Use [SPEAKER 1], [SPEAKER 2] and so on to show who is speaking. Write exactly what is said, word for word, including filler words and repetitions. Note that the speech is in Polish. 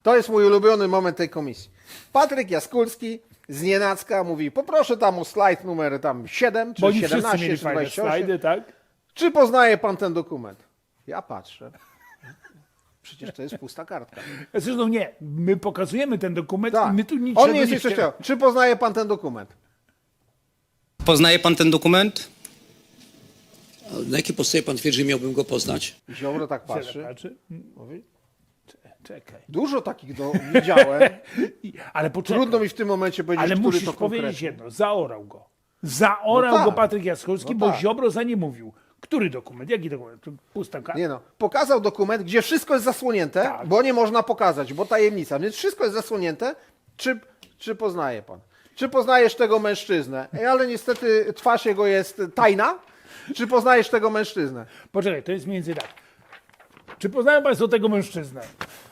[SPEAKER 1] To jest mój ulubiony moment tej komisji. Patryk Jaskulski z Nienacka mówi, poproszę tam o slajd numer tam siedem, czy
[SPEAKER 2] Bo oni wszyscy
[SPEAKER 1] siedemnaście,
[SPEAKER 2] mieli
[SPEAKER 1] czy
[SPEAKER 2] fajne
[SPEAKER 1] dwadzieścia osiem.
[SPEAKER 2] slajdy, tak?
[SPEAKER 1] Czy poznaje pan ten dokument? Ja patrzę. Przecież to jest pusta kartka.
[SPEAKER 2] Zresztą nie, my pokazujemy ten dokument
[SPEAKER 1] Tak.
[SPEAKER 2] i my tu niczego
[SPEAKER 1] On nie jest
[SPEAKER 2] nie
[SPEAKER 1] jeszcze
[SPEAKER 2] chcemy.
[SPEAKER 1] chciał. Czy poznaje pan ten dokument?
[SPEAKER 3] Poznaje pan ten dokument?
[SPEAKER 4] Na jakiej podstawie pan twierdzi, że miałbym go poznać?
[SPEAKER 1] Ziobro tak
[SPEAKER 2] Patrzy.
[SPEAKER 1] patrzy.
[SPEAKER 2] Patrzy.
[SPEAKER 1] Mówi,
[SPEAKER 2] Czekaj.
[SPEAKER 1] dużo takich do, widziałem.
[SPEAKER 2] I, ale poczekaj.
[SPEAKER 1] Trudno mi w tym momencie powiedzieć,
[SPEAKER 2] Ale
[SPEAKER 1] który
[SPEAKER 2] musisz
[SPEAKER 1] to
[SPEAKER 2] powiedzieć
[SPEAKER 1] konkretnie.
[SPEAKER 2] jedno, zaorał go. Zaorał
[SPEAKER 1] No tak.
[SPEAKER 2] go Patryk Jaskulski,
[SPEAKER 1] No
[SPEAKER 2] bo
[SPEAKER 1] tak.
[SPEAKER 2] Ziobro za nie mówił. Który dokument? Jaki dokument? To Pusta karta.
[SPEAKER 1] Nie no, pokazał dokument, gdzie wszystko jest zasłonięte,
[SPEAKER 2] Tak.
[SPEAKER 1] bo nie można pokazać, bo tajemnica, więc wszystko jest zasłonięte. Czy, czy poznaje pan? Czy poznajesz tego mężczyznę? Ej, ale niestety twarz jego jest tajna. Czy poznajesz tego mężczyznę?
[SPEAKER 2] Poczekaj, to jest mniej więcej tak. Czy poznają państwo tego mężczyznę?